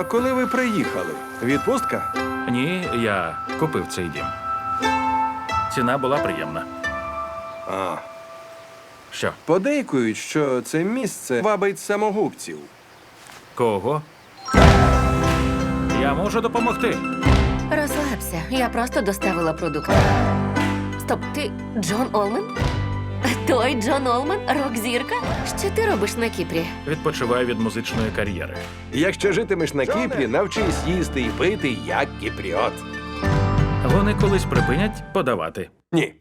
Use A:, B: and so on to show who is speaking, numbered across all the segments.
A: А коли ви приїхали? Відпустка?
B: Ні, я купив цей дім. Ціна була приємна.
A: А.
B: Що?
A: Подейкують, що це місце вабить самогубців.
B: Кого? Я можу допомогти.
C: Розслабся, я просто доставила продукти. Стоп, ти Джон Олмен? Той Джон Олмен? Рок-зірка? Що ти робиш на Кіпрі?
B: Відпочиваю від музичної кар'єри.
A: Якщо житимеш на Кіпрі, навчись їсти і пити, як кіпріот.
B: Вони колись припинять подавати.
A: Ні.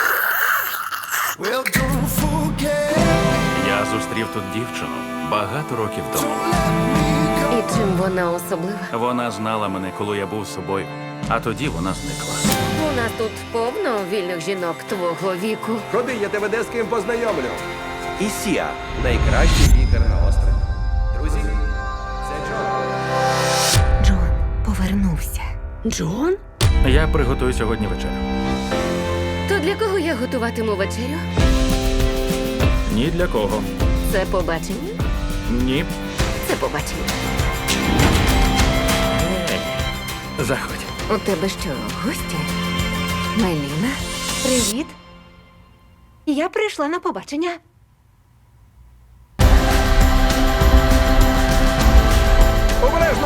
B: Я зустрів тут дівчину багато років тому.
C: І чим вона особлива?
B: Вона знала мене, коли я був собою, а тоді вона зникла.
C: У нас тут повно вільних жінок твого віку.
A: Ходи, я тебе де з ким познайомлю. Ісія – найкращий лікар на острові. Друзі, це Джон.
C: Джон повернувся. Джон?
B: Я приготую сьогодні вечерю.
C: То для кого я готуватиму вечерю?
B: Ні для кого.
C: Це побачення?
B: Ні.
C: Це побачення.
B: Заходь.
C: У тебе що, гості? Меліна? Привіт. Я прийшла на побачення.
A: Обережно!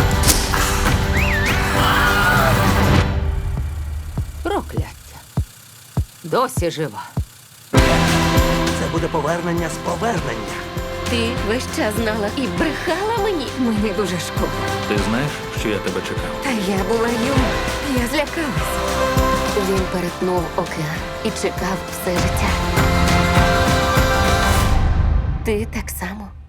C: Прокляття. Досі жива.
D: Це буде повернення з повернення.
C: Ти весь час знала і брехала мені. Мені дуже шкода.
B: Ти знаєш, що я тебе чекав?
C: Та я була юна. Я злякалась. Він перетнув океан і чекав все життя. Ти так само.